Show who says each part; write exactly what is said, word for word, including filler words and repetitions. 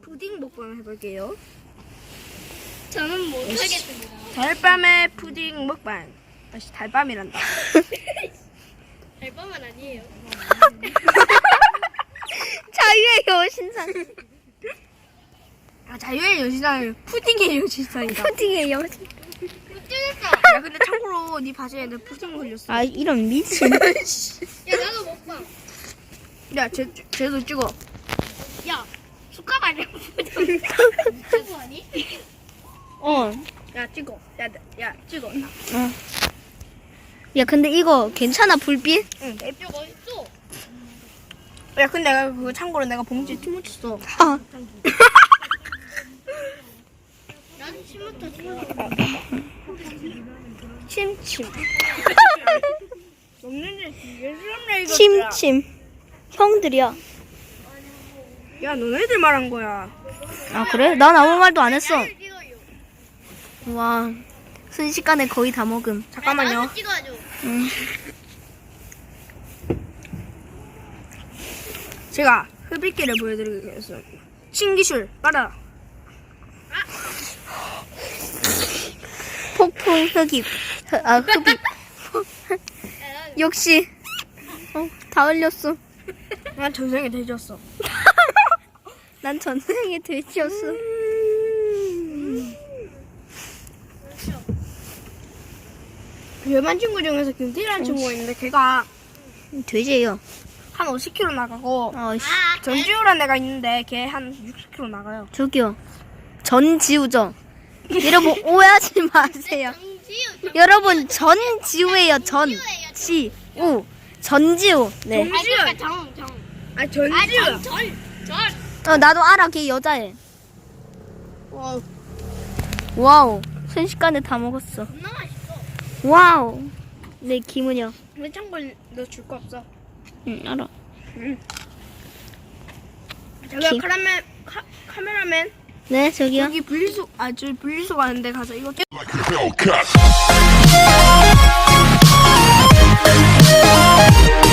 Speaker 1: 푸딩 먹방 해볼게요.
Speaker 2: 저는 못하겠습니다.
Speaker 1: 달밤의 푸딩 먹방. 다시 달밤이란다.
Speaker 2: 달밤은 아니에요.
Speaker 3: 자유의 여신상.
Speaker 1: 아, 자유의 여신상 푸딩의 여신상이다.
Speaker 3: 푸딩의 여신.
Speaker 2: 뜯었어.
Speaker 1: 야, 근데 참고로 네 바지에 내 푸딩 흘렸어.
Speaker 3: 아 이런 미친.
Speaker 2: 야 나도 먹방.
Speaker 1: 야, 쟤, 쟤도 찍어.
Speaker 2: 야 숟가락 아니야? 숟가락 아니?
Speaker 3: 어.
Speaker 1: 야, 찍어. 야, 야, 찍어.
Speaker 3: 어. 야 근데 이거 괜찮아 불빛?
Speaker 1: 응.
Speaker 2: 이거 맛있어.
Speaker 1: 야, 근데 내가 그거 참고로 내가 봉지에 티 묻혔어.
Speaker 3: 아.
Speaker 2: 난 침부터 줘.
Speaker 1: 침침. 먹는데 되게 싫었네, 이거.
Speaker 3: 침침. 형들이야.
Speaker 1: 야, 너네들 말한 거야.
Speaker 3: 아 그래? 난 아무 말도 안 했어.
Speaker 2: 나를 찍어요.
Speaker 3: 와 순식간에 거의 다 먹음.
Speaker 1: 잠깐만요.
Speaker 2: 나도 찍어줘.
Speaker 3: 응.
Speaker 1: 제가 흡입기를 보여드리겠습니다. 신기술, 빨아.
Speaker 3: 폭풍 흡입. 흡- 아 흡입. 역시. 어, 다 흘렸어.
Speaker 1: 난 전생에 돼지였어.
Speaker 3: 난 전생에 돼지였어.
Speaker 1: 별만 친구 중에서 김태희라는 친구가 있는데 걔가
Speaker 3: 돼지예요.
Speaker 1: 한 오십 킬로그램 나가고
Speaker 3: 어, 씨.
Speaker 2: 아
Speaker 1: 전지우라는 애가 있는데 걔 한 육십 킬로그램 나가요.
Speaker 3: 저기요. 전지우죠. 여러분 오해하지 마세요.
Speaker 2: 정지우.
Speaker 3: 여러분 전지우예요. 전지우. 전지우. 네.
Speaker 2: 아 그러니까 정 정.
Speaker 1: 아,
Speaker 2: 아
Speaker 1: 전지우.
Speaker 2: 전 전. 전.
Speaker 3: 어 나도 알아. 걔 여자애.
Speaker 1: 와,
Speaker 3: 와우. 순식간에 다 먹었어.
Speaker 2: 겁나 맛있어.
Speaker 3: 와우. 네 김은영.
Speaker 1: 왜 참고로 너 줄 거 없어?
Speaker 3: 응 알아.
Speaker 1: 저기
Speaker 3: 김-
Speaker 1: 카라멜 카, 카메라맨
Speaker 3: 네 저기요.
Speaker 1: 여기 분리수 아 저기 분리수 가는데 가서 이거 떼-
Speaker 4: Like a Hellcat.